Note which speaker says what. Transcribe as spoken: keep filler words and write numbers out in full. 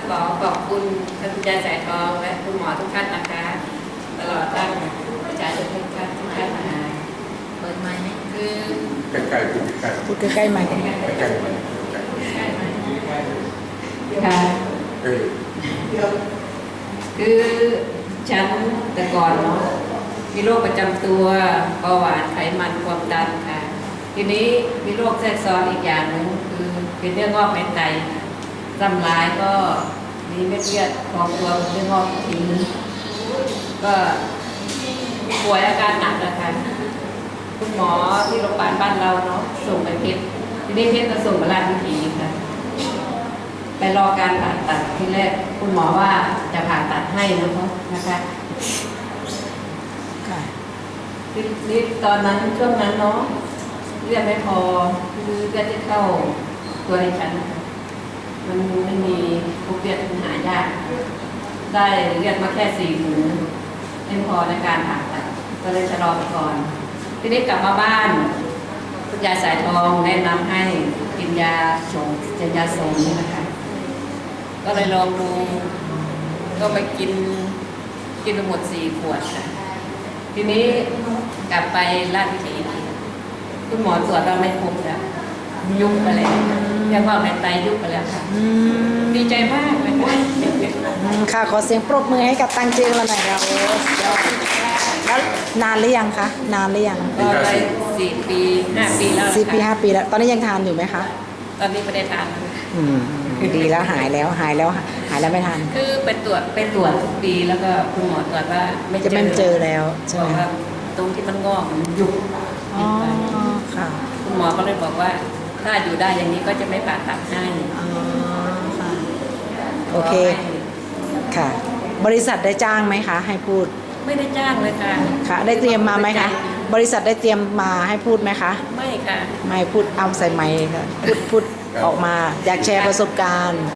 Speaker 1: ขอขอบคุณท่านคุณยายสายทองและคุณหมอทุกท่านนะคะตลอดทั้งประชาชนทุกท่านทุกท่านมาเปิดไมค์ไหมคือ
Speaker 2: ใกล้ๆพูดใกล้ๆ
Speaker 3: พูดใกล้ๆไหมค์
Speaker 2: ใกล้ๆใกล้
Speaker 1: ใช่ไหมค่ะ
Speaker 2: ๆเออ
Speaker 1: คือฉันแต่ก่อนเนาะมีโรคประจำตัวเบาหวานไขมันความดันค่ะ ทีนี้มีโรคแทรกซ้อนอีกอย่างหนึ่งคือเป็นเรื่องงอกในไตจำลายก็มีเม็ดเลือดพองตัวเป็นเรื่องงอกทีนึงก็ป่วยอาการหนักนะคะคุณหมอที่โรงพยาบาลบ้านเราเนาะส่งไปเพชรทีนี้เพชรก็ส่งมาราชวิถีค่ะไปรอการผ่าตัดที่แรกคุณหมอว่าจะผ่าตัดให้นะคะนะคะ
Speaker 3: ค่ะ
Speaker 1: นี่ตอนนั้นช่วงนั้นเนาะเลือดไม่พอคือเลือดที่เข้าตัวในฉันนะคะมันไม่มีพวกเลือดมันหายากได้เลือดมาแค่สี่ถุงไม่พอในการผ่าตัดก็เลยชะลอไปก่อนทีนี้กลับมาบ้านคุณยายสายทองแนะนำให้กินยาสงกินยาสงนี่นะคะก็เลยลองดูก็ไปกินกินไปหมดสี่ขวดค่ะทีนี้กลับไปราชวิถีคุณหมอตรวจเราไม่พบแล้วยุบไปแล้วเรียกว่าในไตยุบไปแล้วค่ะ
Speaker 3: อืม
Speaker 1: ดีใจมากเลยค่ะ
Speaker 3: อืมค่ะ ขอเสียงปรบมือให้กับตังเจียงเราหน่อยครับแล้วนานหรือยังคะ นานหรือยัง
Speaker 1: ก็ได้สี่ปีห้าปีแล้ว
Speaker 3: สี่ปีห้า
Speaker 1: ค่ะ
Speaker 3: ปีแล้ว ตอนนี้ยังทานอยู่ไหมคะ
Speaker 1: ตอนนี้ไม่ได้ทานแล้ว
Speaker 3: อืม ดีแล้วหายแล้วหายแล้วหายแล้วไม่ทาน
Speaker 1: คือไปตรวจไปตรวจทุกปีแล้วก็คุณหมอตรวจว่าไม่เจ
Speaker 3: จะ
Speaker 1: อ
Speaker 3: ไม่เจอแล้วใช่
Speaker 1: บ
Speaker 3: ไห
Speaker 1: อ
Speaker 3: ม
Speaker 1: กว่าตรงที่มันงอกมันยุบ
Speaker 3: อ๋อค่ะ
Speaker 1: คุณหมอก็เลยบอกว่า ถ้าอยู่ได้อย่างนี้ก็จะไม่ผ่าตัดให้
Speaker 3: อ๋อค่ะ โอเค ค่ะ บริษัทได้จ้างไหมคะ ให้พูด
Speaker 1: ไม่ได้จ้างเลยค่ะ
Speaker 3: ค่ะ ได้เตรียมมาไหมคะ บริษัทได้เตรียมมาให้พูดไหมคะ
Speaker 1: ไม่ค่ะ
Speaker 3: ไม่พูดเอาใส่ไมค์ค่ะ พูดพูดออกมา อยากแชร์ประสบการณ์